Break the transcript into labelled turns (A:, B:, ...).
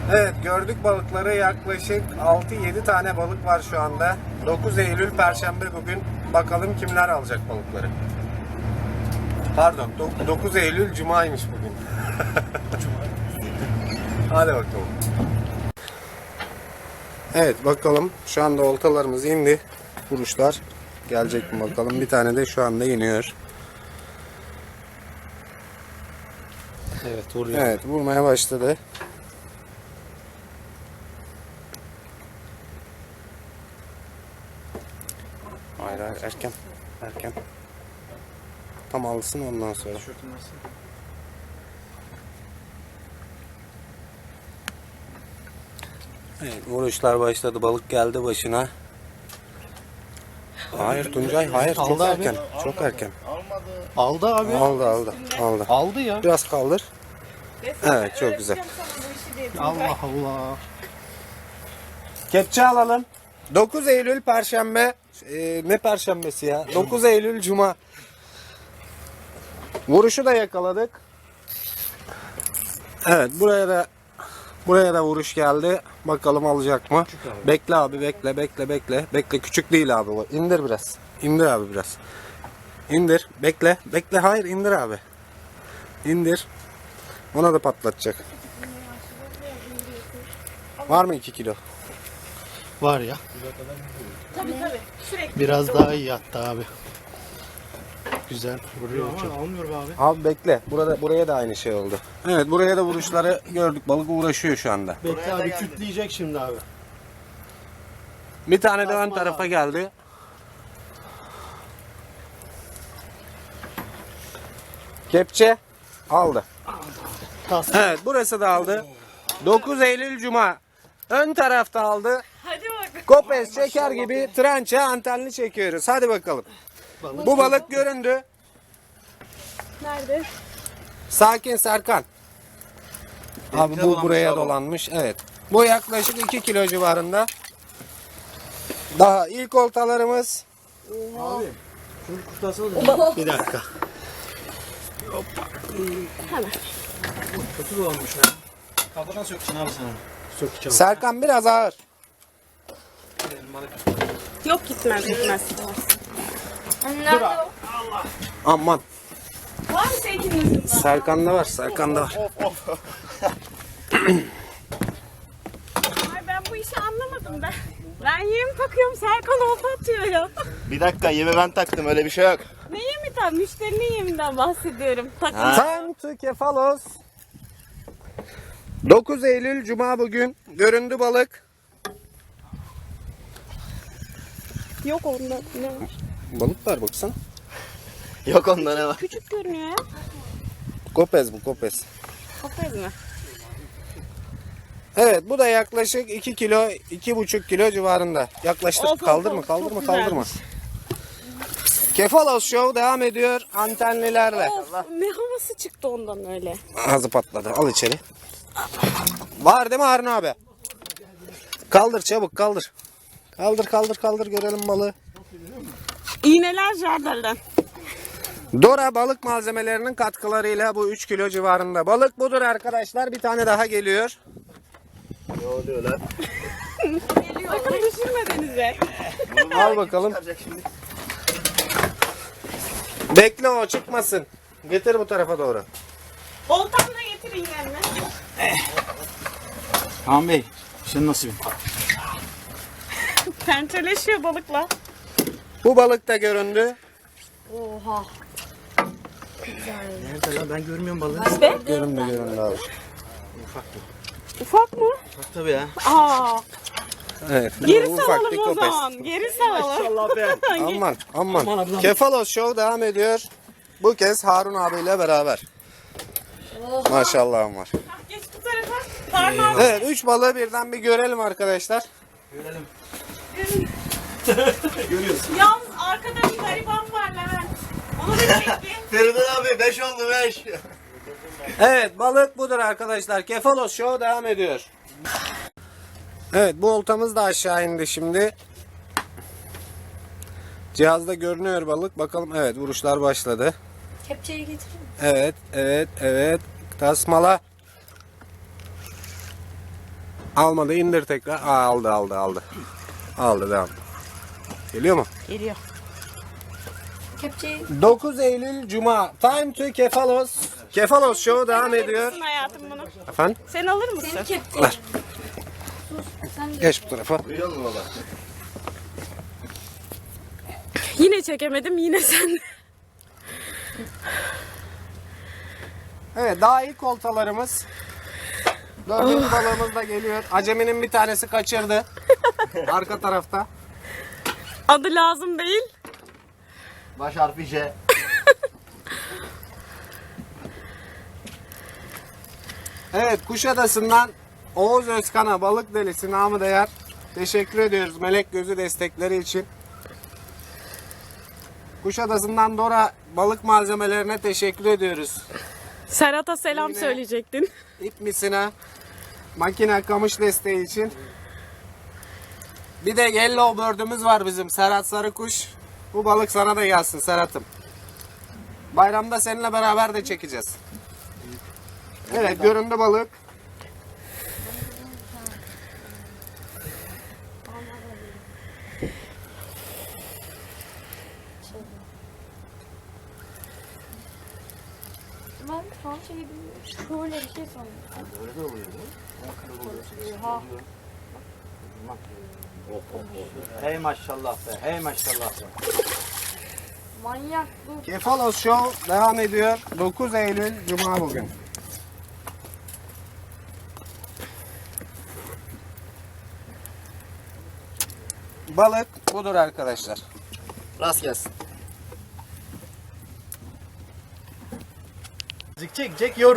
A: Evet, gördük balıkları. Yaklaşık 6-7 tane balık var şu anda. 9 Eylül Perşembe bugün. Bakalım kimler alacak balıkları. Pardon, 9 Eylül Cuma'ymış bugün. Hadi bakalım. Evet, bakalım. Şu anda oltalarımız indi. Vuruşlar gelecek mi bakalım. Bir tane de şu anda iniyor.
B: Evet, vuruyor.
A: Evet, vurmaya başladı. Hayır, erken. Erken. Tam alsın ondan sonra. Evet, vuruşlar başladı. Balık geldi başına. Hayır Tuncay, hayır. Çok
B: Aldı abi.
A: erken. Çok erken.
B: Aldı abi.
A: Aldı.
B: Aldı ya.
A: Biraz kaldır. Evet, çok güzel.
B: Allah Allah.
A: Kepçe alalım. 9 Eylül Perşembe. Ne Perşembesi ya? 9 Eylül Cuma. Vuruşu da yakaladık. Evet, buraya da vuruş geldi. Bakalım alacak mı?
B: Abi.
A: Bekle abi, bekle. Bekle, küçük değil abi bu. İndir biraz. İndir abi biraz. İndir. Bekle. Hayır, indir abi. İndir. Ona da patlatacak. Var mı 2 kilo?
B: Var ya.
C: Tabii. Sürekli.
B: Biraz daha iyi hatta abi. Güzel. Vuruyor çok. Almıyor abi.
A: Abi bekle. Buraya da aynı şey oldu. Evet, buraya da vuruşları gördük. Balık uğraşıyor şu anda.
B: Bekle abi, kütleyecek şimdi abi.
A: Bir tane de ön tarafa geldi. Kepçe aldı. Evet, burası da aldı. 9 Eylül Cuma. Ön tarafta aldı.
C: Hadi bakalım.
A: Kopez çeker gibi trança antenli çekiyoruz. Hadi bakalım. Bu balık göründü.
C: Nerede?
A: Sakin Serkan. Abi bu buraya dolanmış. Evet. Bu yaklaşık 2 kilo civarında. Daha ilk oltalarımız.
B: Bir dakika.
D: Kötü olmuş lan. Kapıdan söksün abi sana.
B: Sökeceğim.
A: Serkan biraz ağır.
C: Yok gitmez. Nerede o?
A: Aman.
C: Var mı sevgilinin?
A: Serkan'da var.
C: Ay ben bu işi anlamadım ben. Ben yem takıyorum, Serkan olta atıyor ya.
D: Bir dakika, yemi ben taktım, öyle bir şey yok.
C: Ne yemi tam? Müşterinin yeminden bahsediyorum. Takım.
A: Time to Kefalos. 9 Eylül Cuma bugün. Göründü balık.
C: Yok onda. Ne var?
A: Balık var baksana.
D: Yok onda ne var?
C: Küçük görünüyor ya.
A: Kopez bu, kopez.
C: Kapayız mı?
A: Evet, bu da yaklaşık 2 kilo, 2,5 kilo civarında. Yaklaştık.
C: Of,
A: Kaldırma.
C: çok güzelmiş.
A: Kefalos Show devam ediyor antenlilerle.
C: Of, ne havası çıktı ondan öyle.
A: Ağzı patladı. Al içeri. Var değil mi Harun abi? Kaldır çabuk, kaldır. Kaldır görelim balığı.
C: İğneler jardardan.
A: Dora balık malzemelerinin katkılarıyla bu 3 kilo civarında. Balık budur arkadaşlar. Bir tane daha geliyor.
D: Ne oluyor lan?
C: Sakın düşürme denize.
A: Al bakalım. Bekle, o çıkmasın. Getir bu tarafa doğru.
C: Oltamı da getirin yanına.
D: Kaan Bey, senin nasibin.
C: Pençeleşiyor balıkla.
A: Bu balık da göründü.
C: Oha.
D: Nerede lan, ben görmüyorum balığı.
C: İşte.
A: Göründü abi.
C: Ufak mı?
D: Bak tabii ya.
C: Aa.
A: Evet.
C: Geri
A: ufak
C: salalım
A: bir
C: o
A: kopez.
C: zaman. Geri salalım.
D: Allah be.
A: Aman. Kefalos Show devam ediyor. Bu kez Harun abiyle beraber. Maşallahım var.
C: Geç bu tarafa. Parmağım.
A: Evet, 3 balığı birden bir görelim arkadaşlar.
C: Yalnız arkada bir gariban var Levent. Onu da çekti.
D: Feridun abi 5 oldu 5.
A: Evet, balık budur arkadaşlar. Kefalos Show devam ediyor. Evet, bu oltamız da aşağı indi şimdi. Cihazda görünüyor balık. Bakalım, evet, vuruşlar başladı.
C: Kepçeyi getirin.
A: Evet. Tasmala. Almadı, indir tekrar. Aa, aldı. Aldı, devam. Geliyor mu?
C: Geliyor. Kepçeyi
A: 9 Eylül Cuma. Time to Kefalos. Kefalos Show devam ediyor.
C: alır hayatım bunu?
A: Efendim?
C: Sen alır mısın?
A: Ver. Geç bu tarafa.
C: Yine çekemedim, yine sen.
A: Evet, daha ilk oltalarımız. Dördüncü balığımız da geliyor. Aceminin bir tanesi kaçırdı. Arka tarafta.
C: Adı lazım değil.
D: Baş harfi J.
A: Evet, Kuşadası'ndan Oğuz Özkan'a balık delisi namı değer. Teşekkür ediyoruz melek gözü destekleri için. Kuşadası'ndan Dora balık malzemelerine teşekkür ediyoruz.
C: Serhat'a selam
A: Yine-
C: söyleyecektin.
A: İp misine, makine kamış desteği için. Bir de yellow bird'ümüz var bizim Serhat Sarıkuş. Bu balık sana da gelsin Serhat'ım. Bayramda seninle beraber de çekeceğiz. Evet, göründü balık.
E: Ben şu an şey bilmiyorum. Şöyle bir şey sandım.
D: Böyle de oluyor değil mi?
E: Oha.
D: Hey maşallah be. Hey maşallah be.
E: Manyak bu.
A: Kefalos Show devam ediyor. 9 Eylül Cuma bugün. Balık budur arkadaşlar.
D: Rast gelsin. Çek yorum.